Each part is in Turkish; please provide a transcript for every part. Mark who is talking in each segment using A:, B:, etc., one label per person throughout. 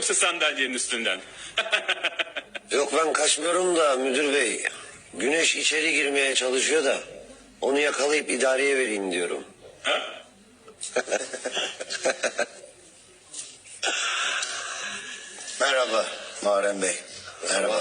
A: yoksa sandalyenin üstünden?
B: Yok ben kaçmıyorum da müdür bey. Güneş içeri girmeye çalışıyor da onu yakalayıp idareye vereyim diyorum.
A: Ha?
C: Merhaba Muharrem Bey. Merhaba.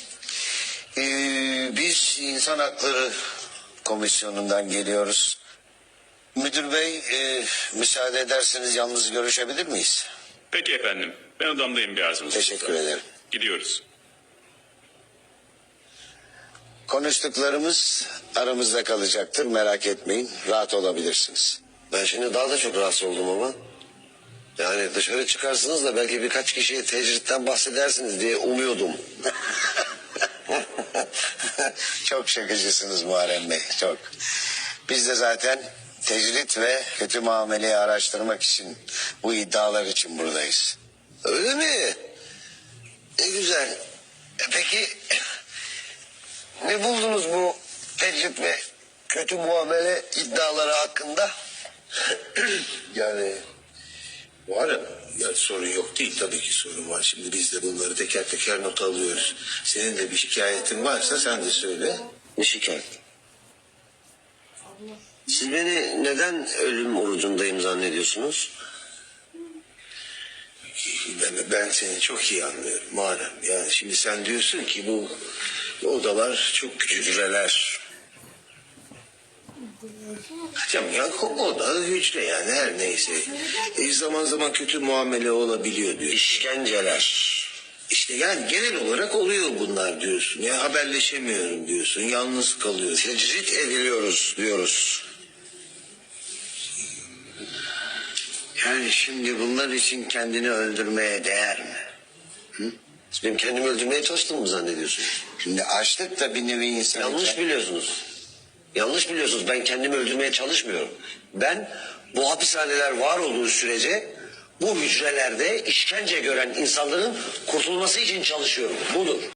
C: Biz İnsan Hakları Komisyonu'ndan geliyoruz. Müdür Bey, müsaade ederseniz yalnız görüşebilir miyiz?
A: Peki efendim. Ben odamdayım bir arzunuz.
C: Teşekkür ederim.
A: Gidiyoruz.
C: Konuştuklarımız aramızda kalacaktır. Merak etmeyin. Rahat olabilirsiniz.
B: Ben şimdi daha da çok rahatsız oldum ama. Yani dışarı çıkarsınız da belki birkaç kişiye tecritten bahsedersiniz diye umuyordum.
C: Çok şakacısınız Muharrem Bey. Çok. Biz de zaten tecrit ve kötü muameleyi araştırmak için, bu iddialar için buradayız.
B: Öyle mi? Ne güzel. Peki ne buldunuz bu tecrit ve kötü muamele iddiaları hakkında?
D: Yani var ya sorun yok değil, tabii ki sorun var. Şimdi biz de bunları teker teker not alıyoruz. Senin de bir şikayetin varsa sen de söyle.
B: Ne şikayet? Siz beni neden ölüm orucundayım zannediyorsunuz?
D: Ben seni çok iyi anlıyorum Muharrem. Yani şimdi sen diyorsun ki bu odalar çok küçük.
B: Hücreler.
D: Canım ya oda hücre yani her neyse. Zaman zaman kötü muamele olabiliyor diyor.
B: İşkenceler.
D: İşte yani genel olarak oluyor bunlar diyorsun. Ya haberleşemiyorum diyorsun. Yalnız kalıyorsun.
B: Tecrit ediliyoruz diyoruz. Yani şimdi bunlar için kendini öldürmeye değer mi? Hı? Siz benim kendimi öldürmeye çalıştığımı mı zannediyorsunuz?
C: Şimdi açlık da bir nevi insan.
B: Yanlış biliyorsunuz. Yanlış biliyorsunuz. Ben kendimi öldürmeye çalışmıyorum. Ben bu hapishaneler var olduğu sürece bu hücrelerde işkence gören insanların kurtulması için çalışıyorum. Budur.